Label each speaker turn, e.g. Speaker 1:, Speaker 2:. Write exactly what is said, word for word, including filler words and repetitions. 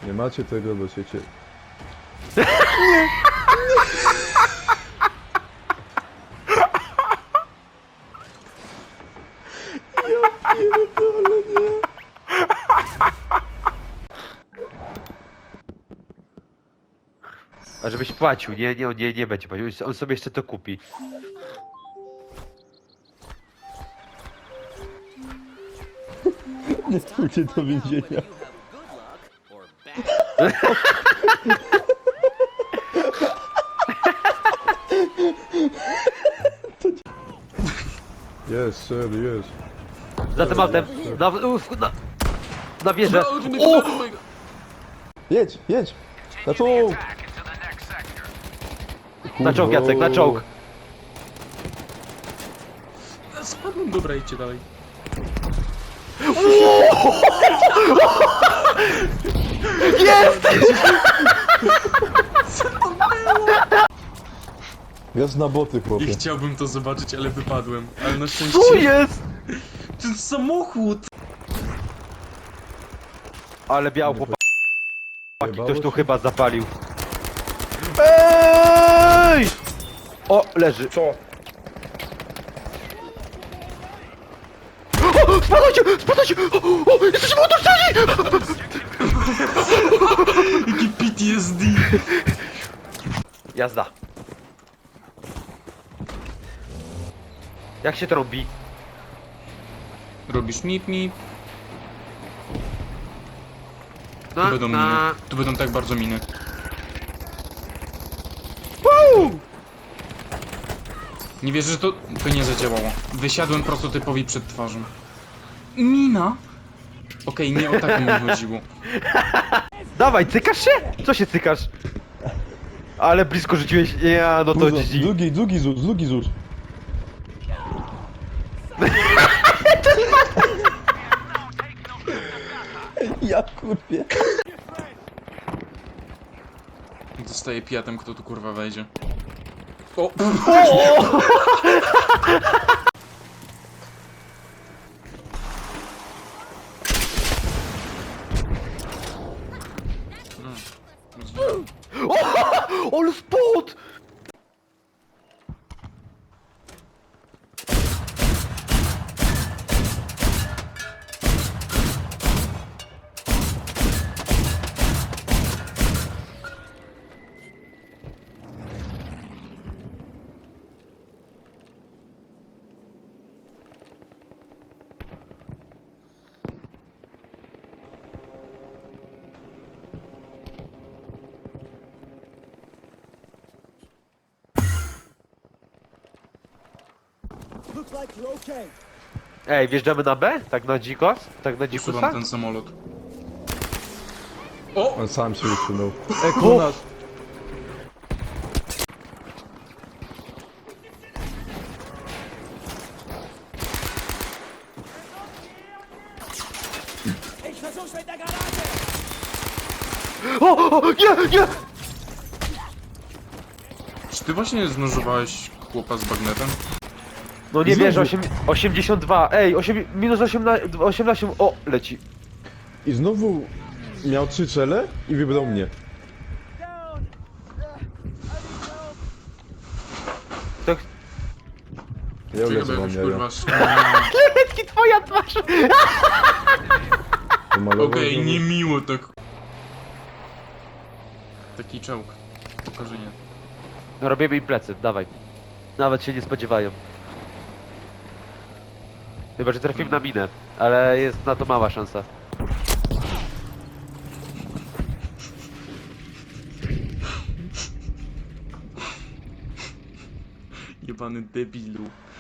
Speaker 1: Nie macie tego, bo się cie... Ja pierdolę, nie.
Speaker 2: A żebyś płacił, nie, nie, on nie, nie będzie płacił, on sobie jeszcze to kupi.
Speaker 1: Nie pójdzie do więzienia. Jest, sir, jest.
Speaker 2: Za tym autem, na, uf, na, na wieżę. O!
Speaker 1: Jedź, jedź! Na czołg!
Speaker 2: Na czołg, Jacek, na czołg.
Speaker 3: Spadłem, dobra, idźcie dalej.
Speaker 2: Jest!
Speaker 1: Jest na boty,
Speaker 3: I
Speaker 1: chłopie.
Speaker 3: chciałbym to zobaczyć, ale wypadłem. Ale na szczęście...
Speaker 2: Co jest?
Speaker 3: Ten samochód!
Speaker 2: Ale biał chłopaki,
Speaker 1: Jebało
Speaker 2: ktoś tu
Speaker 1: się?
Speaker 2: chyba zapalił. Ej! O, leży.
Speaker 4: Co?
Speaker 2: O, spadajcie, spadajcie! O, o, jesteśmy otoczeni!
Speaker 3: Jaki P T S D!
Speaker 2: Jazda. Jak się trąbi?
Speaker 3: Robisz mip mip. Tu
Speaker 2: Na,
Speaker 3: będą miny.
Speaker 2: na.
Speaker 3: Tu będą tak bardzo miny. Nie wierzę, że to... To nie zadziałało. Wysiadłem prototypowi przed twarzą. Mina? Okej, nie o taką mi chodziło.
Speaker 2: Dawaj, cykasz się? Co się cykasz? Ale blisko rzuciłeś, ja, no to
Speaker 1: Dużo,
Speaker 2: G G.
Speaker 1: Długi, długi zus, długi zus. Ja kurwie.
Speaker 3: Zostaje pijatem, kto tu kurwa wejdzie. O!
Speaker 2: Ale spód! Ej, wjeżdżamy na B? Tak na dzikos? Tak na dzikusa?
Speaker 3: Usuwam ten samolot. O!
Speaker 1: On sam się usunął. Ej, koło nas!
Speaker 2: O, o, nie, nie!
Speaker 3: Czy ty właśnie znożowałeś chłopa z bagnetem?
Speaker 2: No nie
Speaker 1: Znowu.
Speaker 2: wierzę, osiem, osiemdziesiąt dwa, ej, osiem, minus osiemnaście, osiemnaście, o, leci.
Speaker 1: I znowu miał trzy cele i wybrał mnie.
Speaker 2: Tak,
Speaker 1: Ja
Speaker 3: Czekaj,
Speaker 1: lecę
Speaker 3: bo
Speaker 1: mam
Speaker 3: jakoś
Speaker 1: jaja.
Speaker 3: kurwa... sz-
Speaker 2: Letki, twoja twarz!
Speaker 1: Pomalował
Speaker 3: Okej,
Speaker 1: znowu.
Speaker 3: niemiło tak. Taki czołg. Pokażę nie.
Speaker 2: No robimy im plecy, dawaj. Nawet się nie spodziewają. Chyba, że trafimy na minę, ale jest na to mała szansa.
Speaker 3: Jebany debilu.